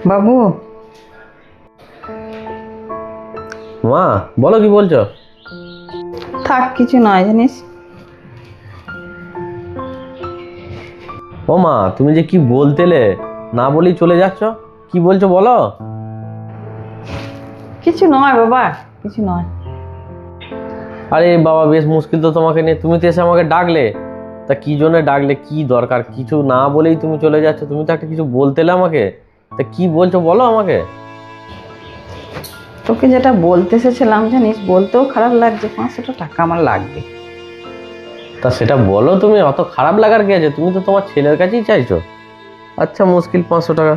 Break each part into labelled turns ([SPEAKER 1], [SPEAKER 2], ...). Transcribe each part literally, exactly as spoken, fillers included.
[SPEAKER 1] বাবু,
[SPEAKER 2] মা বলো, কি বলছো?
[SPEAKER 1] থাক, কিছু নয় জানিস।
[SPEAKER 2] ও মা, তুমি যে কি বলতেলে, না বলেই চলে যাচ্ছ, কি বলছো বলো।
[SPEAKER 1] কিছু নয় বাবা, কিছু নয়।
[SPEAKER 2] আরে বাবা, বেশ মুশকিল তো তোমাকে নিয়ে। তুমি তো এসে আমাকে ডাকলে, তা কি জন্য ডাকলে, কি দরকার? কিছু না বলেই তুমি চলে যাচ্ছ। তুমি তো একটা কিছু বলতেলে আমাকে, তা কি বলছো বলো আমাকে।
[SPEAKER 1] তোকে যেটা বলতে এসেছিলাম জানিস, বলতেও খারাপ লাগছে, পাঁচশোটা টাকা আমার লাগবে।
[SPEAKER 2] তা সেটা বলো, তুমি অত খারাপ লাগার কি আছে? তুমি তো তোমার ছেলের কাছেই চাইছো। আচ্ছা, মুশকিল, পাঁচশো টাকা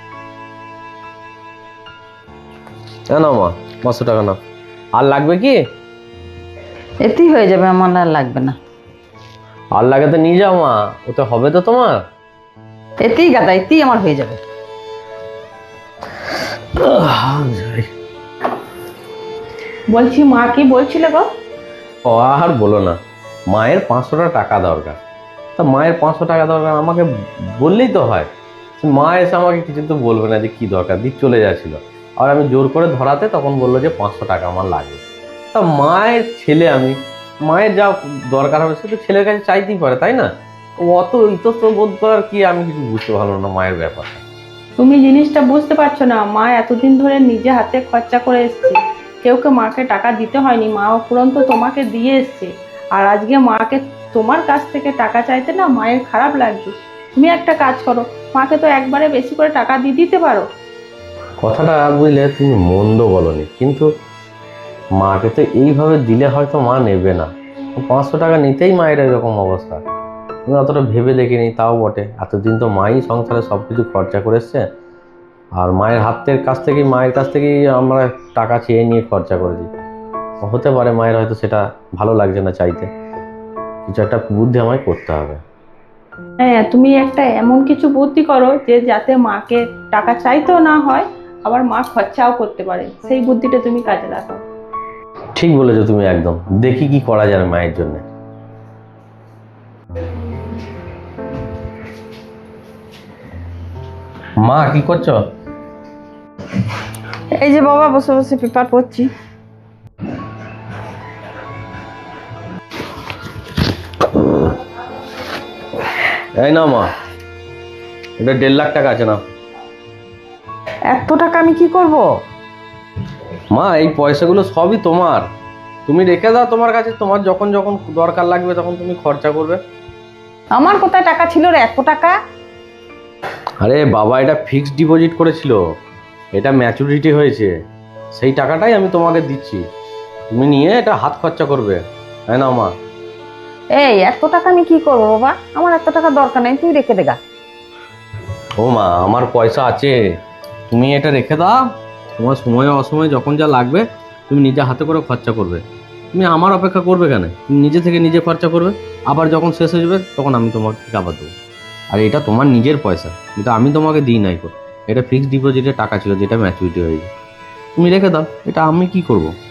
[SPEAKER 2] না মা, পাঁচশো টাকা নাও। আর লাগবে কি?
[SPEAKER 1] এতেই হয়ে যাবে, আমার আর লাগবে না।
[SPEAKER 2] আর লাগে তো নিয়ে যাও মা, ওতে হবে তো তোমার।
[SPEAKER 1] এতেই গাদা, এতেই আমার হয়ে যাবে। বলছি, মা কি বলছিলে গো?
[SPEAKER 2] ও আর বলো না, মায়ের পাঁচশোটা টাকা দরকার। তা মায়ের পাঁচশো টাকা দরকার, আমাকে বললেই তো হয়। মা এসে আমাকে কিছু তো বলবে না যে কি দরকার, দিয়ে চলে যাচ্ছিল। আর আমি জোর করে ধরাতে তখন বললো যে পাঁচশো টাকা আমার লাগবে। তা মায়ের ছেলে আমি, মায়ের যা দরকার হবে সে তো ছেলের কাছে চাইতেই পারে, তাই না? ও অত ইতস্ত বোধ করার কি, আমি কিছু বুঝতে পারলাম না মায়ের ব্যাপারটা।
[SPEAKER 3] তুমি জিনিসটা বুঝতে পারছো না। মা এতদিন ধরে নিজে হাতে খরচা করে এসছে, কেউ কে মাকে টাকা দিতে হয়নি, মা উপরন্ত তোমাকে দিয়ে এসছে। আর আজকে মাকে তোমার কাছ থেকে টাকা চাইতে না মায়ের খারাপ লাগছে। তুমি একটা কাজ করো, মাকে তো একবারে বেশি করে টাকা দিয়ে দিতে পারো।
[SPEAKER 2] কথাটা বুঝলে তুমি মন্দ বলনি, কিন্তু মাকে তো এইভাবে দিলে হয়তো মা নেবে না। পাঁচশো টাকা নিতেই মায়ের এরকম অবস্থা। আমি অতটা ভেবে দেখিনি, তাও বটে। এতদিন তো মাই সংসারে সব কিছু খরচা করে এসছে, আর মায়ের হাতের কাছ থেকেই, মায়ের কাছ থেকেই আমরা টাকা চেয়ে নিয়ে খরচা করেছি। হতে পারে মায়ের হয়তো সেটা ভালো লাগছে না চাইতে। কিছু একটা বুদ্ধি আমায় করতে হবে।
[SPEAKER 3] হ্যাঁ, তুমি একটা এমন কিছু বুদ্ধি করো যে যাতে মাকে টাকা চাইতেও না হয়, আবার মা খরচাও করতে পারে। সেই বুদ্ধিটা তুমি কাজে লাগাও।
[SPEAKER 2] ঠিক বলেছো তুমি, একদম। দেখি কি করা যাবে মায়ের জন্য। মা কি করছো?
[SPEAKER 1] এই যে বাবা, বসে বসে পেপার পড়ছি।
[SPEAKER 2] এই না মা, এটা দেড় লাখ টাকা আছে না।
[SPEAKER 1] এত টাকা আমি কি করব?
[SPEAKER 2] মা, এই পয়সাগুলো সবই তোমার। তুমি রেখে দাও তোমার কাছে, তোমার যখন যখন দরকার লাগবে তখন তুমি খরচা করবে।
[SPEAKER 1] আমার কোথায় টাকা ছিল রে এত টাকা?
[SPEAKER 2] আরে বাবা, এটা ফিক্সড ডিপোজিট করেছিল, এটা ম্যাচুরিটি হয়েছে, সেই টাকাটাই আমি তোমাকে দিচ্ছি। তুমি নিয়ে এটা হাত খরচা করবে, তাই না মা?
[SPEAKER 1] এই এত টাকা আমি কি করব বাবা? আমার এত টাকা দরকার নেই, তুই রেখে দেগা।
[SPEAKER 2] ও মা, আমার পয়সা আছে, তুমি এটা রেখে দাও। তোমার সময় অসময়ে যখন যা লাগবে তুমি নিজে হাতে করে খরচা করবে। তুমি আমার অপেক্ষা করবে কেন? তুমি নিজে থেকে নিজে খরচা করবে, আবার যখন শেষ হয়ে যাবে তখন আমি তোমাকে থেকে আবার দেবো। আর এটা তোমার নিজের পয়সা, এটা আমি তোমাকে দিই নাই। এটা ফিক্সড ডিপোজিটের টাকা ছিল, যেটা ম্যাচুরিটি হয়ে যায়। তুমি রেখে দাও, এটা আমি কি করবো।